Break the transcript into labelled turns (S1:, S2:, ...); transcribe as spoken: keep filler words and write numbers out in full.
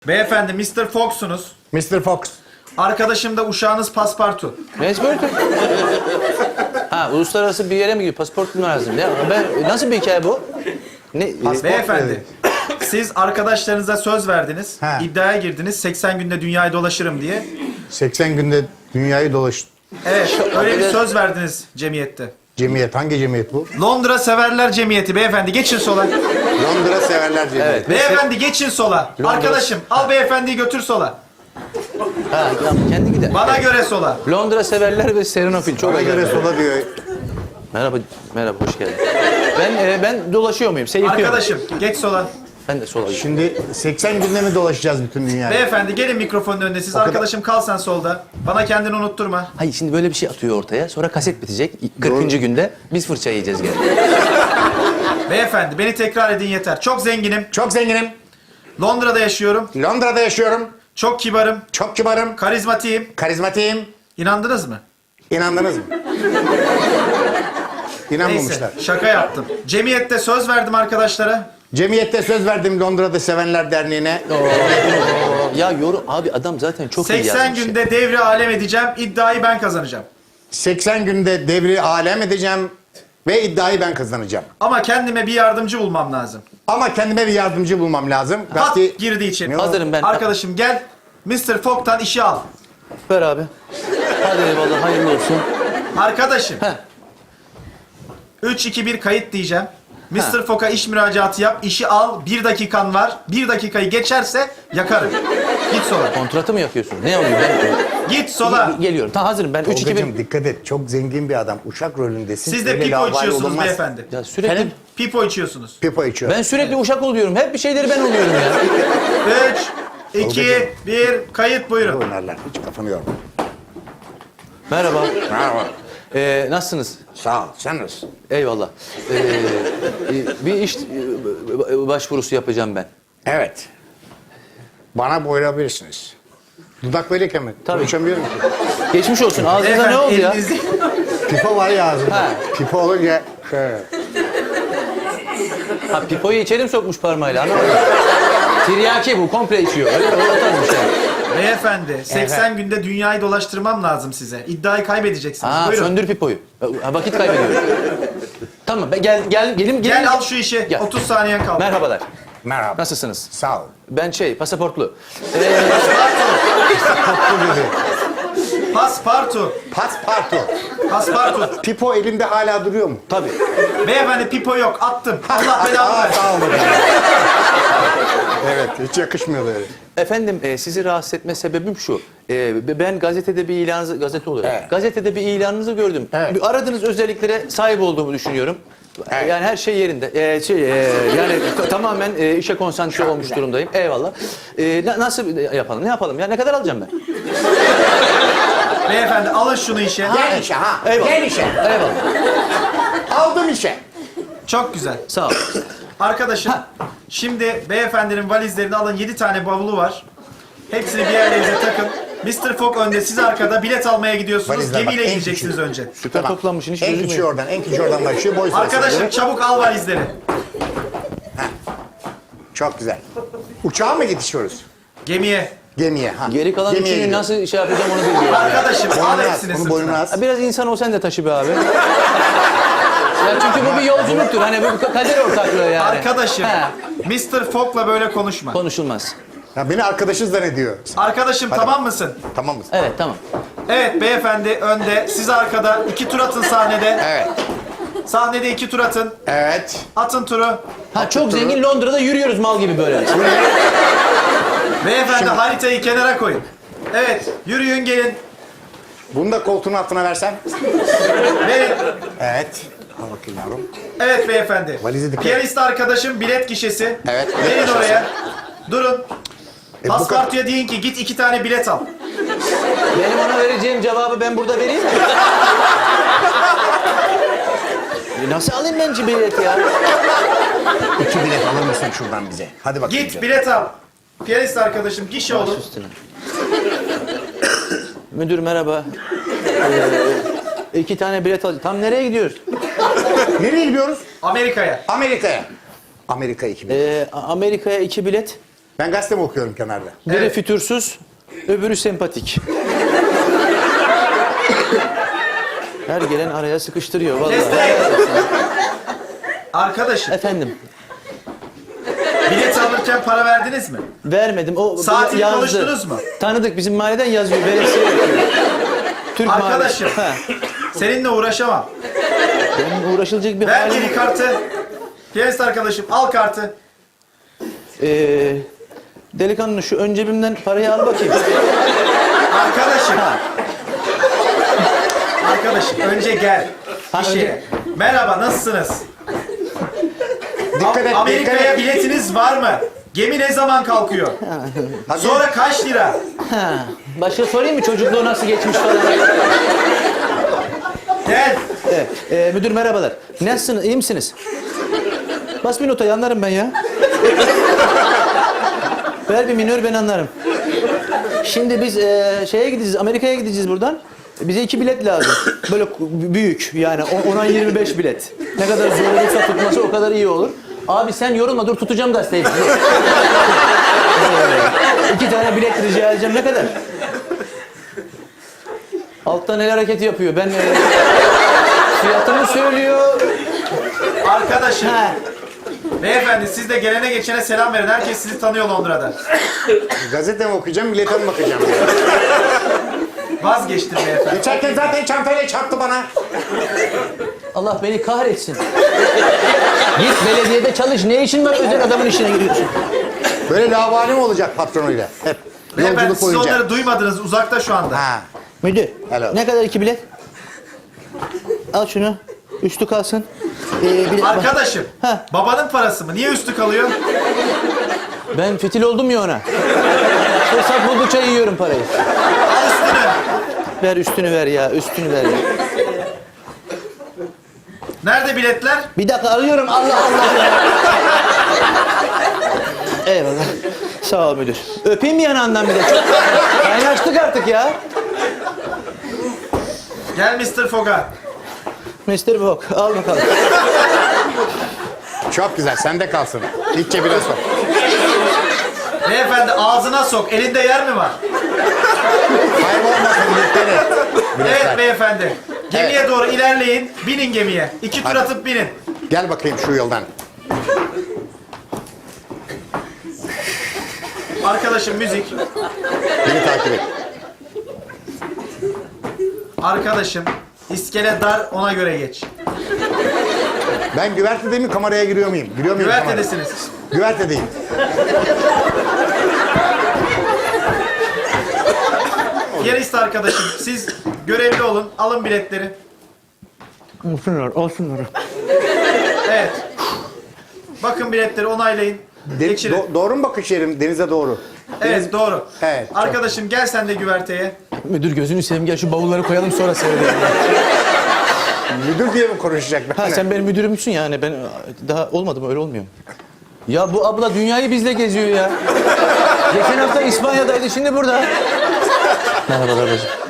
S1: Beyefendi mister Fox'sunuz.
S2: mister Fox.
S1: Arkadaşım da uşağınız Paspartu.
S3: Passport. Ha, uluslararası bir yere mi gidiyor? Pasaport mu lazım? Ya ben nasıl bir hikaye bu? Ne?
S2: Pas-
S1: Beyefendi, siz arkadaşlarınıza söz verdiniz.
S2: Ha.
S1: İddiaya girdiniz. seksen günde dünyayı dolaşırım diye.
S2: seksen günde dünyayı dolaş.
S1: Evet, öyle bir söz verdiniz cemiyette.
S2: Cemiyet. Hangi cemiyet bu?
S1: Londra Severler Cemiyeti. Beyefendi geçin sola.
S2: Londra Severler Cemiyeti.
S3: Evet.
S1: Beyefendi geçin sola.
S3: Londra-
S1: Arkadaşım al beyefendiyi götür sola.
S3: Ha, ya kendi gider.
S1: Bana göre sola.
S3: Londra severler ve Serenofil çok
S2: Bana göre
S3: acayip.
S2: sola diyor.
S3: Merhaba, merhaba, hoş geldin. Ben e, ben dolaşıyor muyum? Seyirtiyorum.
S1: Arkadaşım geç sola.
S3: Ben de sola gidiyorum.
S2: Şimdi seksen günde mi dolaşacağız bütün dünyayı?
S1: Beyefendi gelin mikrofonun önüne. Siz
S2: kadar-
S1: arkadaşım kal sen solda. Bana kendini unutturma.
S3: Hayır, şimdi böyle bir şey atıyor ortaya. Sonra kaset bitecek. kırkıncı günde biz fırça yiyeceğiz gene.
S1: Beyefendi beni tekrar edin yeter. Çok zenginim.
S2: Çok zenginim.
S1: Londra'da yaşıyorum.
S2: Londra'da yaşıyorum.
S1: Çok kibarım.
S2: Çok kibarım.
S1: Karizmatiyim.
S2: Karizmatiyim.
S1: İnandınız mı?
S2: İnandınız mı? İnanmamışlar.
S1: Neyse şaka yaptım. Cemiyette söz verdim arkadaşlara.
S2: Cemiyette söz verdim Londra'da Sevenler Derneği'ne.
S3: Ya yorum abi adam zaten çok iyi
S1: seksen
S3: yazmış. ya.
S1: günde devri alem edeceğim. İddiayı ben kazanacağım.
S2: seksen günde devri alem edeceğim ve iddiayı ben kazanacağım.
S1: Ama kendime bir yardımcı bulmam lazım.
S2: Ama kendime bir yardımcı bulmam lazım.
S1: Pat
S2: Belki
S1: girdi içeri.
S3: Hazırım ben.
S1: Arkadaşım gel. mister Fog'tan işi al.
S3: Ver abi. Hadi eyvallah, hayırlı olsun.
S1: Arkadaşım.
S3: Heh.
S1: üç iki bir kayıt diyeceğim. mister Fog'a iş müracaatı yap, işi al. Bir dakikan var. Bir dakikayı geçerse yakarım. Git sola.
S3: Kontratı mı yapıyorsun? Ne oluyor? Ben
S1: Git sola.
S3: geliyorum. Tamam, hazırım ben. üç iki
S2: Tolgacığım
S3: bir.
S2: dikkat et. Çok zengin bir adam. Uşak rolündesin.
S1: Siz de
S2: Öyle
S1: pipo
S2: laubali
S1: içiyorsunuz
S2: olunmaz.
S1: beyefendi.
S3: Ya sürekli
S2: Efendim?
S1: Pipo içiyorsunuz.
S2: Pipo içiyor.
S3: ben sürekli uşak oluyorum. Hep bir şeyleri ben oluyorum ya.
S1: üç, iki, bir, kayıt buyurun.
S2: Oynarlar. Hiç kafanı yorma.
S3: Merhaba.
S2: Merhaba.
S3: Ee, nasılsınız?
S2: Sağ ol. Sen nasılsın?
S3: Eyvallah. Ee, e, bir iş e, başvurusu yapacağım ben.
S2: Evet. Bana boyayabilirsiniz. Dudak böyleyken mi?
S3: Tabii.
S2: Konuşamıyorum ki.
S3: Geçmiş olsun. Ağzınıza
S1: Beyefendi,
S3: ne oldu ya?
S1: elinizi-
S2: Pipo var ya ağzımda.
S3: Ha.
S2: Pipo olunca şöyle.
S3: Ha, pipoyu içeri mi sokmuş parmağıyla? Anlamadım. Tiryaki bu. Komple içiyor. Öyle mi? O tarz bir şey.
S1: Beyefendi, seksen günde dünyayı dolaştırmam lazım size. İddiayı kaybedeceksiniz.
S3: Ha,
S1: buyurun.
S3: söndür pipoyu. Ha, vakit kaybediyorum. Tamam. Ben gel gel gelim gelim.
S1: Gel al şu işi.
S3: Gel.
S1: otuz saniyen kaldı.
S3: Merhabalar.
S2: Merhaba.
S3: Nasılsınız?
S2: Sağ ol.
S3: Ben şey, pasaportlu.
S2: Tatlı gibi.
S1: Paspartu.
S2: Paspartu.
S1: Paspartu.
S2: Pipo elimde hala duruyor mu?
S3: Tabii.
S1: Beyefendi pipo yok. Attım. Allah belanı
S2: Aa,
S1: versin.
S2: sağ ol bakalım. Evet, hiç yakışmıyordu öyle.
S3: Efendim, e, sizi rahatsız etme sebebim şu. E, ben gazetede bir ilanınızı, gazete oluyor.
S2: Evet.
S3: Gazetede bir ilanınızı gördüm.
S2: Evet.
S3: Bir aradığınız özelliklere sahip olduğumu düşünüyorum.
S2: Evet.
S3: Yani her şey yerinde. E, şey, e, yani t- tamamen e, işe konsantre olmuş
S2: güzel.
S3: durumdayım. Eyvallah. E, na- nasıl yapalım? Ne yapalım? Ya ne kadar alacağım ben?
S1: Beyefendi alın şunu işe.
S2: Gel işe ha.
S3: Eyvallah.
S2: Gel işe.
S3: Eyvallah.
S2: Aldım işe.
S1: Çok güzel.
S3: Sağ ol.
S1: Arkadaşım, şimdi beyefendinin valizlerini alın. Yedi tane bavulu var. Hepsini bir yerlerinize takın. mister Fogg önde, siz arkada bilet almaya gidiyorsunuz.
S2: Valizler bak,
S1: Gemiyle
S2: en
S1: gideceksiniz
S2: küçüğü.
S1: önce.
S3: Süper toplanmışsın. Hiç
S2: En
S3: gözüm
S2: küçüğü
S3: yok.
S2: oradan, en küçüğü oradan başlıyor. Boy sırasına
S1: Arkadaşım
S2: göre.
S1: çabuk al valizleri.
S2: Çok güzel. Uçağa mı yetişiyoruz?
S1: Gemiye.
S2: Gemiye. Ha.
S3: Geri kalan
S2: Gemiye
S3: üçünü
S2: gidiyoruz.
S3: nasıl şey yapacağım onu bilmiyorum. ya.
S1: Arkadaşım al
S2: Boynuna as,
S1: hepsini
S2: onu boynuna
S1: sırtına.
S2: as.
S3: Ha, biraz insan ol sen de taşı be abi. Ya çünkü bu bir yolculuktur. Hani bu kader ortaklığı yani.
S1: Arkadaşım,
S3: He,
S1: mister Fogg'la böyle konuşma.
S3: konuşulmaz.
S2: Ya beni arkadaşız zannediyor.
S1: Arkadaşım tamam mısın?
S2: Tamam mısın?
S3: Evet, tamam.
S1: Evet beyefendi önde, siz arkada. İki tur atın sahnede.
S2: Evet.
S1: Sahnede iki tur atın.
S2: Evet.
S1: Atın turu.
S3: Ha, çok zengin Londra'da yürüyoruz mal gibi böyle.
S1: Beyefendi haritayı kenara koyun. Evet, yürüyün gelin.
S2: Bunu da koltuğun altına versen.
S1: Verin.
S2: Evet. Al bakayım yavrum.
S1: Evet beyefendi.
S2: Valizi dikkat.
S1: Piyanist arkadaşım bilet gişesi.
S2: Evet, bilet
S1: Verin
S2: gişesi.
S1: oraya. Durun.
S2: E, bu
S1: Paspartuya deyin ki git iki tane bilet al.
S3: Benim ona vereceğim cevabı ben burada vereyim mi? E, Nasıl alayım ben cibileti ya?
S2: İki bilet alır mısın şuradan bize? Hadi bakayım.
S1: Git
S2: canım.
S1: bilet al. Piyanist arkadaşım gişe
S3: Baş
S1: olun.
S3: üstüne. Müdür merhaba. Ee, iki tane bilet al. Tam nereye gidiyoruz?
S2: Nereye gidiyoruz?
S1: Amerika'ya.
S2: Amerika'ya. Amerika iki bilet.
S3: Ee, Amerika'ya iki bilet.
S2: Ben gazete mi okuyorum kenarda?
S3: Biri
S1: Evet.
S3: fütursuz, öbürü sempatik. Her gelen araya sıkıştırıyor vallahi.
S1: Desteğe. Arkadaşım,
S3: Efendim,
S1: bilet alırken para verdiniz mi?
S3: vermedim. O
S1: Saatini
S3: yazdı.
S1: konuştunuz mu?
S3: Tanıdık, bizim mahalleden yazıyor. Veresiye yapıyor. Türk
S1: Arkadaşım.
S3: mahallesi. Ha.
S1: Seninle uğraşamam.
S3: Benim uğraşılacak bir
S1: Ver
S3: halim
S1: geri kartı. Piyanist arkadaşım, al kartı.
S3: Ee, delikanlı şu ön cebimden parayı al bakayım.
S1: Arkadaşım.
S3: Ha.
S1: Arkadaşım, önce gel.
S3: Ha,
S1: İşe.
S3: önce-
S1: Merhaba, nasılsınız?
S2: Dikkat et, dikkat
S1: Amerika'ya
S2: et.
S1: biletiniz var mı? Gemi ne zaman kalkıyor?
S2: Hadi.
S1: Sonra kaç lira?
S3: Ha. Başka sorayım mı çocukluğu nasıl geçmiş falan?
S1: Gel.
S3: Evet. Ee, müdür merhabalar. Nasılsınız? İyi misiniz? Bas bir notayı anlarım ben ya. Ver bir minör ben anlarım. Şimdi biz e, şeye gideceğiz, Amerika'ya gideceğiz buradan. Bize iki bilet lazım. Böyle büyük yani ona yirmi beş bilet. Ne kadar zor olursa tutması o kadar iyi olur. Abi sen yorulma dur tutacağım gazeteyi. Ee, iki tane bilet rica edeceğim ne kadar? Alttan el hareketi yapıyor. Ben e, fiyatını söylüyor.
S1: Arkadaşım.
S3: Ha.
S1: Beyefendi siz de gelene geçene selam verin. Herkes sizi tanıyor Londra'da.
S2: Gazete mi okuyacağım, bilete mi bakacağım?
S1: Vazgeçtim beyefendi.
S2: Geçerken zaten çantayla çarptı bana.
S3: Allah beni kahretsin. Git belediyede çalış. Ne işin var özel adamın işine giriyorsun?
S2: Böyle lavali mi olacak patronuyla? Hep.
S1: Beyefendi
S2: Yolculuk
S1: siz
S2: boyunca.
S1: onları duymadınız. Uzakta şu anda.
S2: Ha.
S3: Müdür.
S2: Helal.
S3: Ne kadar iki bilet? Al şunu. Üstü kalsın. Ee, bilet-
S1: Arkadaşım.
S3: Ha.
S1: Babanın parası mı? Niye üstü kalıyor?
S3: Ben fitil oldum ya ona. Fırsat buldukça yiyorum parayı.
S1: Al üstünü.
S3: Ver üstünü ver ya. Üstünü ver ya.
S1: Nerede biletler?
S3: Bir dakika arıyorum. Allah Allah ya. Eyvallah. Sağ ol müdür. Öpeyim mi yanağından bir de? Çok kaynaştık artık ya.
S1: Gel mister Fog'a.
S3: mister Bok al bakalım.
S2: Çok güzel, sende kalsın. İlk cebine sok.
S1: Beyefendi ağzına sok. Elinde yer mi var?
S2: Kaybolmasın, dikkat et. Biletler.
S1: Evet beyefendi. Gemiye doğru ilerleyin. Binin gemiye. İki tur
S2: Hadi.
S1: atıp binin.
S2: Gel bakayım şu yoldan.
S1: Arkadaşım müzik.
S2: Beni takip et.
S1: Arkadaşım iskele dar ona göre geç.
S2: Ben güvertede mi kameraya giriyor muyum? Giriyor muyum kameraya?
S1: Güvertedesiniz.
S2: Güvertedeyim.
S1: Yarist arkadaşım siz görevli olun. Alın biletleri.
S3: Olsunlar, olsunlar.
S1: Evet. Bakın biletleri onaylayın.
S2: De-
S1: Geçirin.
S2: do- doğru mu bakış yerim denize doğru?
S1: Evet doğru.
S2: Evet, çok-
S1: Arkadaşım gel sen de güverteye.
S3: Müdür gözünü seveyim gel şu bavulları koyalım sonra seyredelim.
S2: Müdür diye mi konuşacak?
S3: Ha sen benim müdürümsün yani ben daha olmadı mı öyle olmuyor mu? Ya bu abla dünyayı bizle geziyor ya. Geçen hafta İspanya'daydı şimdi burada. Merhabalar bacım.